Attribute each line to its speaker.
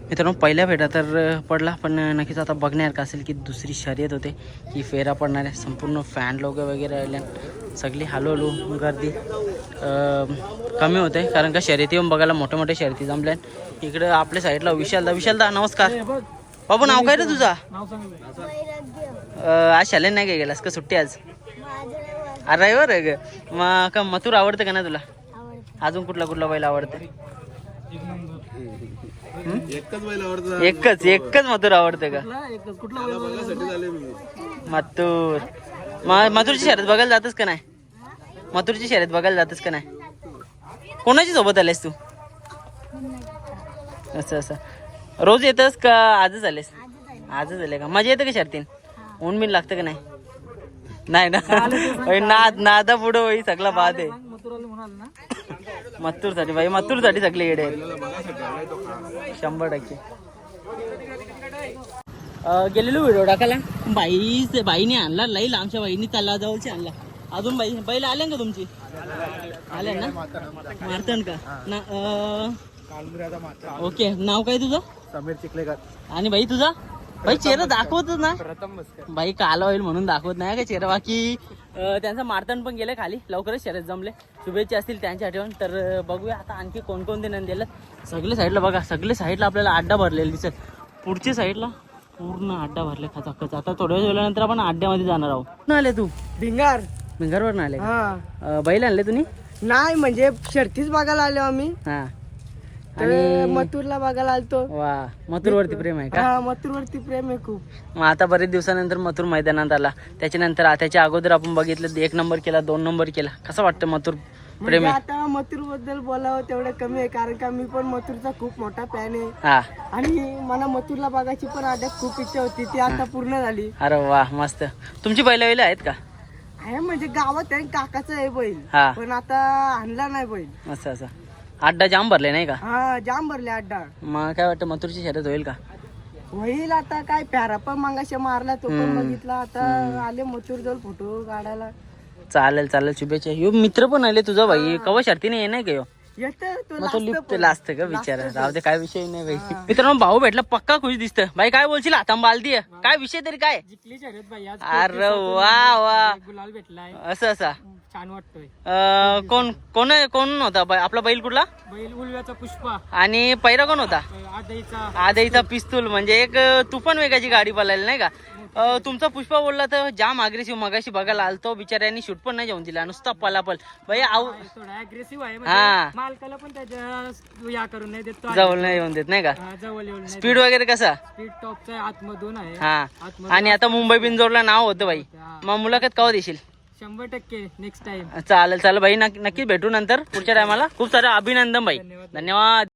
Speaker 1: मित्रांनो पहिल्या फेटा तर पडला, पण नक्कीच आता बघण्यासारखं असेल की दुसरी शर्यत होते की फेरा पडणार आहे. संपूर्ण फॅन लोक वगैरे आल्या, सगळी हळूहळू गर्दी कमी होते, कारण का शर्यती येऊन बघायला मोठ्या मोठ्या शर्यती जमल्या. इकडं आपल्या साईडला विशालदा नमस्कार. बाबू नाव काय रे तुझा? आज शालेन नाही काय गेलास का? सुट्टी आज रविवार आहे ग. मग का मथुर आवडतं का ना तुला? अजून कुठला बैल आवडतं? एकच मथुर आवडतं का? मथुरची शर्यत बघायला जातच का नाही? मथुरची शर्यत बघायला जातच का नाही? कोणाची सोबत आलेस तू? असं रोज येतस का आजच आलेस? आजच आले का? मजा येते का शर्तीन? ऊन बिन लागतं का नाही? नाही ना. नादा पुढं बाई सगळा बाद आहे. मथुरसाठी बाई, मथुरसाठी सगळे येडे आहेत 100%. गेलेलो व्हिडिओ टाकायला, बाईने आणला लई लांबच्या बाईनी चालला जवळची आणला. अजून बैल आले का तुमची? आले ना? मारतन का ना? ओके. नाव काय तुझं?
Speaker 2: समीर चिखलेकर.
Speaker 1: आणि बाई तुझा? बाई चेहरा दाखवतच ना बाई, काला होईल म्हणून दाखवत नाही का चेहरा. बाकी त्यांचं मारतण पण गेलं खाली, लवकरच शर्यत जमले. शुभेच्छा असतील त्यांच्या आठवण. तर बघूया आता आणखी कोणकोणते नंद दिलं. सगळे साईडला बघा, सगळे साईडला आपल्याला अड्डा भरलेला दिसत. पुढच्या साईडला पूर्ण अड्डा भरले खचाखच. आता थोड्या वेळानंतर आपण अड्ड्यामध्ये जाणार आहोत. कुठून आले तू? भिंगारवरून आले का? बैल आणले तुम्ही?
Speaker 3: नाही म्हणजे शर्तीच बघायला आलो आम्ही.
Speaker 1: हा.
Speaker 3: आणि मथुरला बघायला आलतो.
Speaker 1: वा, मथुर वरती प्रेम आहे का?
Speaker 3: हा, मथुर वरती प्रेम आहे खूप.
Speaker 1: मग आता बरेच दिवसानंतर मथुर मैदानात आला. त्याच्यानंतर त्याच्या अगोदर आपण बघितलं 1 नंबर केला, 2 नंबर केला. कसं वाटतं मथुर प्रेम
Speaker 3: म्हणजे
Speaker 1: आहे?
Speaker 3: आता मथुर बद्दल बोलावं तेवढं कमी आहे, कारण का मी पण मथुरचा खूप मोठा फॅन आहे.
Speaker 1: हा.
Speaker 3: आणि मला मथुरला बघायची पण आधी खूप इच्छा होती, ती आता पूर्ण झाली.
Speaker 1: अरे वा, मस्त. तुमची बैल आहेत का?
Speaker 3: आहे म्हणजे गावात आहे, काकाचं आहे बैल.
Speaker 1: हा.
Speaker 3: पण आता आणला नाही बैल.
Speaker 1: असं अड्डा जाम भरले नाही का?
Speaker 3: हा, जाम भरले अड्डा.
Speaker 1: मग काय वाटतं मथुरची शर्यत होईल का?
Speaker 3: होईल आता. काय प्यारा पण मागाशी मारला, तो पण बघितला. आता आले मथुर जवळ फोटो काढायला.
Speaker 1: चालेल. शुभेच्छा. यो मित्र पण आले तुझा भाई. कवा शर्तीने ये नाही का?
Speaker 3: येतं तो
Speaker 1: मग तो लिफ्ट असतं का बिचारा? राहू दे, काय विषय नाही भाई.
Speaker 3: हा.
Speaker 1: मित्रांनो भाऊ भेटला, पक्का खुश दिसतं. भाई काय बोलशील? आता बालदी आहे काय विषय तरी काय?
Speaker 3: जिंकली शर्यत बाई आज.
Speaker 1: अरे वा,
Speaker 3: गुलाल भेटलाय,
Speaker 1: असं
Speaker 3: छान वाटतोय.
Speaker 1: कोण होता आपला बैल? कुठला
Speaker 3: बैल? उलव्याचा पुष्पा.
Speaker 1: आणि पैरा कोण होता?
Speaker 3: आदईचा.
Speaker 1: आदईचा पिस्तूल. म्हणजे एक तुफान वेगाची गाडी पळाली नाही का? तुमचा पुष्पा बोलला तर जाम अग्रेसिव्ह. मगाशी बघायला आलतो, बिचाऱ्यांनी शूट पण नाही जाऊन दिला, नुसता पलापल. भाई
Speaker 3: थोडा अग्रेसिव्ह आहे.
Speaker 1: हा,
Speaker 3: मालकाला पण त्याच्या या करून नाही देत,
Speaker 1: जवळ नाही येऊन देत नाही का?
Speaker 3: जवळ येऊन.
Speaker 1: स्पीड वगैरे कसा?
Speaker 3: स्पीड टॉपचा आतमधून आहे.
Speaker 1: हा. आणि आता मुंबई बिंजोरला नाव होतं भाई. मग मुलाखत कवा देशील?
Speaker 3: 100% नेक्स्ट टाइम.
Speaker 1: चालेल भाई, नक्कीच भेटू नंतर पुढच्या टायमाला. खूप सारं अभिनंदन भाई. धन्यवाद.